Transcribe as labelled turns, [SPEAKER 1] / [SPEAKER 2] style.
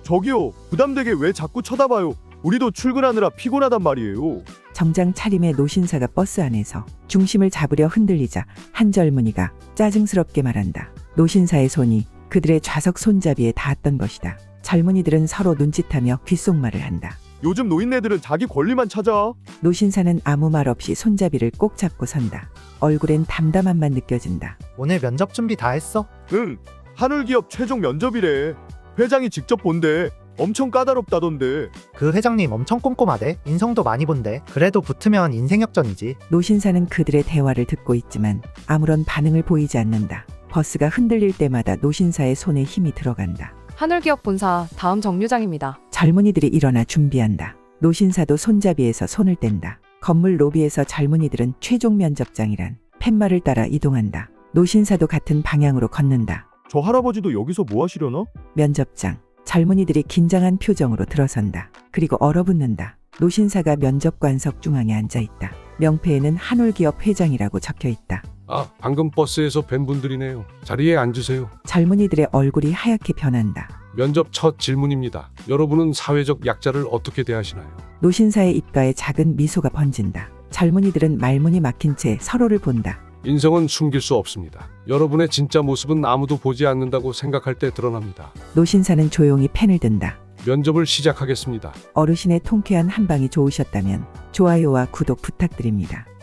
[SPEAKER 1] 저기요, 부담되게 왜 자꾸 쳐다봐요? 우리도 출근하느라 피곤하단 말이에요.
[SPEAKER 2] 정장 차림의 노신사가 버스 안에서 중심을 잡으려 흔들리자 한 젊은이가 짜증스럽게 말한다. 노신사의 손이 그들의 좌석 손잡이에 닿았던 것이다. 젊은이들은 서로 눈짓하며 귓속말을 한다.
[SPEAKER 1] 요즘 노인네들은 자기 권리만 찾아.
[SPEAKER 2] 노신사는 아무 말 없이 손잡이를 꼭 잡고 선다. 얼굴엔 담담함만 느껴진다.
[SPEAKER 3] 오늘 면접 준비 다 했어?
[SPEAKER 1] 응, 하늘기업 최종 면접이래. 회장이 직접 본대. 엄청 까다롭다던데.
[SPEAKER 3] 그 회장님 엄청 꼼꼼하대. 인성도 많이 본대. 그래도 붙으면 인생 역전이지.
[SPEAKER 2] 노신사는 그들의 대화를 듣고 있지만 아무런 반응을 보이지 않는다. 버스가 흔들릴 때마다 노신사의 손에 힘이 들어간다.
[SPEAKER 4] 하늘기업 본사 다음 정류장입니다.
[SPEAKER 2] 젊은이들이 일어나 준비한다. 노신사도 손잡이에서 손을 뗀다. 건물 로비에서 젊은이들은 최종 면접장이란 팻말을 따라 이동한다. 노신사도 같은 방향으로 걷는다.
[SPEAKER 1] 저 할아버지도 여기서 뭐 하시려나?
[SPEAKER 2] 면접장. 젊은이들이 긴장한 표정으로 들어선다. 그리고 얼어붙는다. 노신사가 면접관석 중앙에 앉아있다. 명패에는 한올기업 회장이라고 적혀있다.
[SPEAKER 5] 아, 방금 버스에서 뵌 분들이네요. 자리에 앉으세요.
[SPEAKER 2] 젊은이들의 얼굴이 하얗게 변한다.
[SPEAKER 5] 면접 첫 질문입니다. 여러분은 사회적 약자를 어떻게 대하시나요?
[SPEAKER 2] 노신사의 입가에 작은 미소가 번진다. 젊은이들은 말문이 막힌 채 서로를 본다.
[SPEAKER 5] 인성은 숨길 수 없습니다. 여러분의 진짜 모습은 아무도 보지 않는다고 생각할 때 드러납니다.
[SPEAKER 2] 노신사는 조용히 펜을 든다.
[SPEAKER 5] 면접을 시작하겠습니다.
[SPEAKER 2] 어르신의 통쾌한 한방이 좋으셨다면 좋아요와 구독 부탁드립니다.